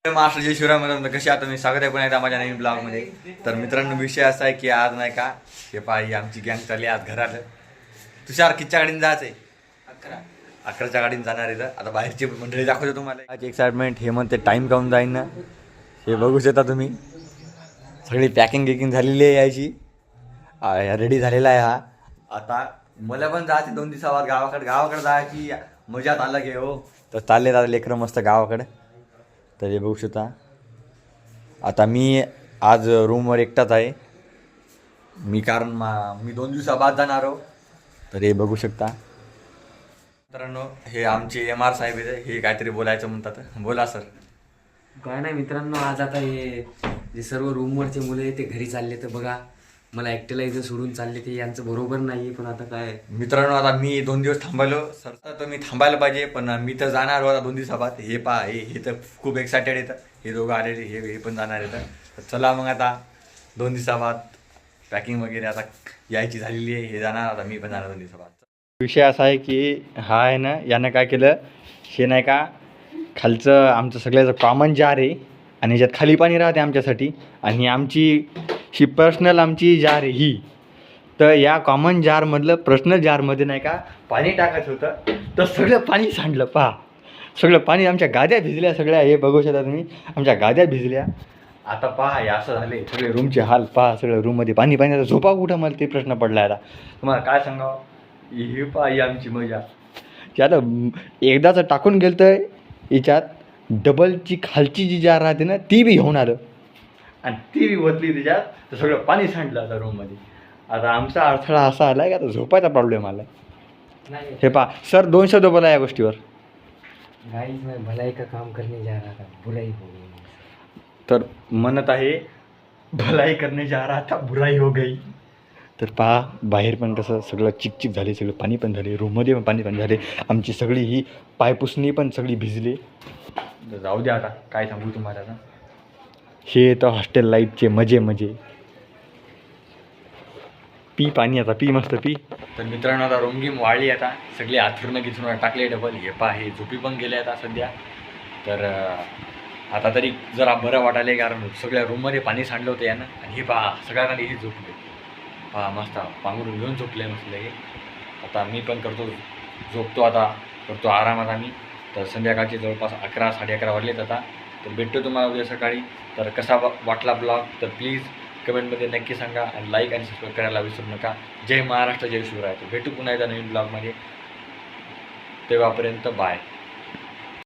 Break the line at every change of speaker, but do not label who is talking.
महाराष्ट्र जय शिवराय म्हणून कशी आता मी स्वागत आहे पण एकदा माझ्या नवीन ब्लॉगमध्ये. तर मित्रांनो विषय असा आहे की आज नाही का हे पाही आमची गँग चालली आज घरात. तुषार कितीच्या गाडीने जायचं आहे? 11च्या गाडीने जाणार आहे. आता बाहेरची मंडळी दाखवतो तुम्हाला. आज एक्साइटमेंट हे म्हणते टाईम काऊन जाईन ना हे बघू शकता तुम्ही. सगळी पॅकिंग गिकिंग झालेली आहे यायची, रेडी झालेला आहे हा. आता मला पण जायचं 2 दिवसावर गावाकडे जायची मजात आलं की हो. तर चालले दादा लेकरं मस्त गावाकडे. तर हे बघू शकता. आता मी आज रूमवर एकटाच आहे मी, कारण मी 2 दिवसाबाद जाणार आहो. तर हे बघू शकता मित्रांनो, हे आमचे MR साहेब आहे. हे काहीतरी बोलायचं म्हणतात. बोला सर.
काय नाही मित्रांनो, आज आता हे जे सर्व रूमवरचे मुलं आहे ते घरी चालले. तर बघा मला एकट्याला इथं सोडून चालले ते यांचं बरोबर नाही. पण आता काय
मित्रांनो, आता मी 2 दिवस थांबायलो सर. तर मी थांबायला पाहिजे पण मी तर जाणार होता 2 दिवसाबाद. हे पहा हे तर खूप एक्सायटेड येतं. हे दोघं आलेले हे पण जाणार येतं. तर चला मग आता 2 दिवसाबाद पॅकिंग वगैरे आता यायची झालेली आहे. हे जाणार, आता मी पण जाणार 2 दिवसाबाद. विषय असा आहे की हा आहे ना, यानं काय केलं हे नाही का, खालचं आमचं सगळ्याचं कॉमन जार आहे आणि ह्याच्यात खाली पाणी राहते आमच्यासाठी. आणि आमची ही पर्सनल आमची जार आहे ही. तर या कॉमन जारमधलं पर्सनल जारमध्ये नाही का पाणी टाकायचं होतं. तर सगळं पाणी सांडलं. पहा सगळं पाणी, आमच्या गाद्या भिजल्या सगळ्या. हे बघू शकता तुम्ही, आमच्या गाद्या भिजल्या. आता पहा हे असं झाले सगळे रूमचे हाल. पहा सगळं रूममध्ये पाणी. आता झोपा कुठं मला ते प्रश्न पडला. आता तुम्हाला काय सांगावं. हे पहा ही आमची मजा. की आता एकदाच टाकून गेलं तर याच्यात डबलची खालची जी जार राहते ना ती बी घेऊन आलं आणि ती बी ओतली त्याच्यात. तर सगळं पाणी सांडलं आता रूममध्ये. आता आमचा अडथळा असा आला की आता झोपायचा प्रॉब्लेम आला. हे पहा सर 2 शब्द बोला या गोष्टीवर.
गाइस मैं भलाई का काम करने जा रहा था, बुराई हो गई.
तर म्हणत आहे भलाई करणे जा रहा था बुराई हो गई. तर पहा बाहेर पण कसं सगळं चिकचिक झाले, सगळं पाणी पण झाले, रूममध्ये पण पाणी झाले. आमची सगळी ही पायपुसणी पण सगळी भिजली. जाऊ द्या आता काय सांगू तुम्हाला. आता हे तर हॉस्टेल लाईफचे मजे. पी पाणी आता, पी मस्त पी. तर मित्रांनो आता रूमगीम वाळली. आता सगळे आथरून गिथरून टाकले डबल. हे पहा हे झोपी पण गेले आता सध्या. तर आता तरी जरा बरं वाटायला, कारण सगळ्या रूममध्ये पाणी सांडलं होतं यानं. आणि हे पहा सगळ्यांना हे झोपले. पहा मस्त पांघरून घेऊन झोपले मस्त लगे. आता मी पण झोपतो आता, करतो आरामात आम्ही. तर संध्याकाळचे जवळपास 11 साडे 11 वाजलेत आता. तर भेटतो तुम्हाला उद्या सकाळी. तर कसा वाटला ब्लॉग तर प्लीज कमेंटमध्ये नक्की सांगा. आणि लाईक आणि सबस्क्राईब करायला विसरू नका. जय महाराष्ट्र जय शिवराय. भेटू पुन्हा एकदा नवीन ब्लॉगमध्ये. तेव्हापर्यंत बाय.